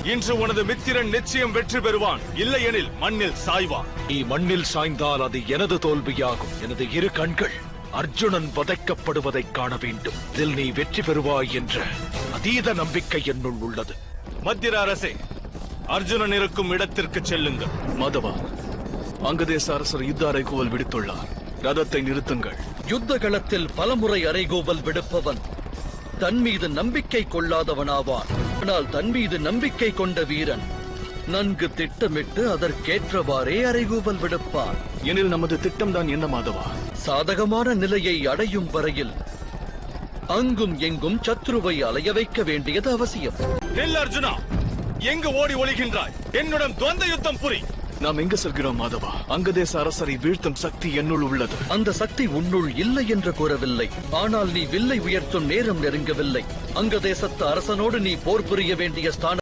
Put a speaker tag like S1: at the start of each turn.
S1: இன்று உனது மித்திரன் நிச்சயம் வெற்றி பெறுவான், இல்லையெனில் மண்ணில் சாய்வான்.
S2: நீ மண்ணில் சாய்ந்தால் அது எனது தோல்வியாகும். எனது இரு கண்கள் அர்ஜுனன் வதைக்கப்படுவதைக் காண வேண்டும். இதில் நீ வெற்றி பெறுவாய் என்ற அதீத நம்பிக்கை என்னுள் உள்ளது.
S1: மத்திர அரசே, அர்ஜுனன் இருக்கும் இடத்திற்கு செல்லுங்கள்.
S3: மாதவா, அங்கதேச அரசர் யுத்த அறைகூவல் விடுத்துள்ளார். ரதத்தை நிறுத்துங்கள்.
S4: யுத்த களத்தில் பலமுறை அறைகூவல் விடுப்பவன் தன் மீது நம்பிக்கை கொள்ளாதவனாவான். ஆனால் தன் மீது நம்பிக்கை கொண்ட வீரன் நன்கு திட்டமிட்டு அதற்கேற்றவாறே அறைகூவல் விடுப்பான்.
S3: எனில் நமது திட்டம்தான் என்ன மாதவா?
S4: சாதகமான நிலையை அடையும் வரையில் அங்கும் எங்கும் சத்ருவை அலைய வைக்க வேண்டியது அவசியம்.
S1: நெல் அர்ஜுனா, எங்கு ஓடி ஒளிகின்றாய்? என்னுடன் துவந்த யுத்தம் புரி.
S3: நாம் எங்கு செல்கிறோம் மாதவா? அங்கதேச அரசரை வீழ்த்தும் சக்தி என்னுள் உள்ளது.
S4: அந்த சக்தி உன்னுள் இல்லை என்று கூறவில்லை. ஆனால் நீ வில்லை உயர்த்தும் நேரம் நெருங்கவில்லை. அங்கதேசத்து அரசனோடு நீ போர் புரிய வேண்டிய ஸ்தானம்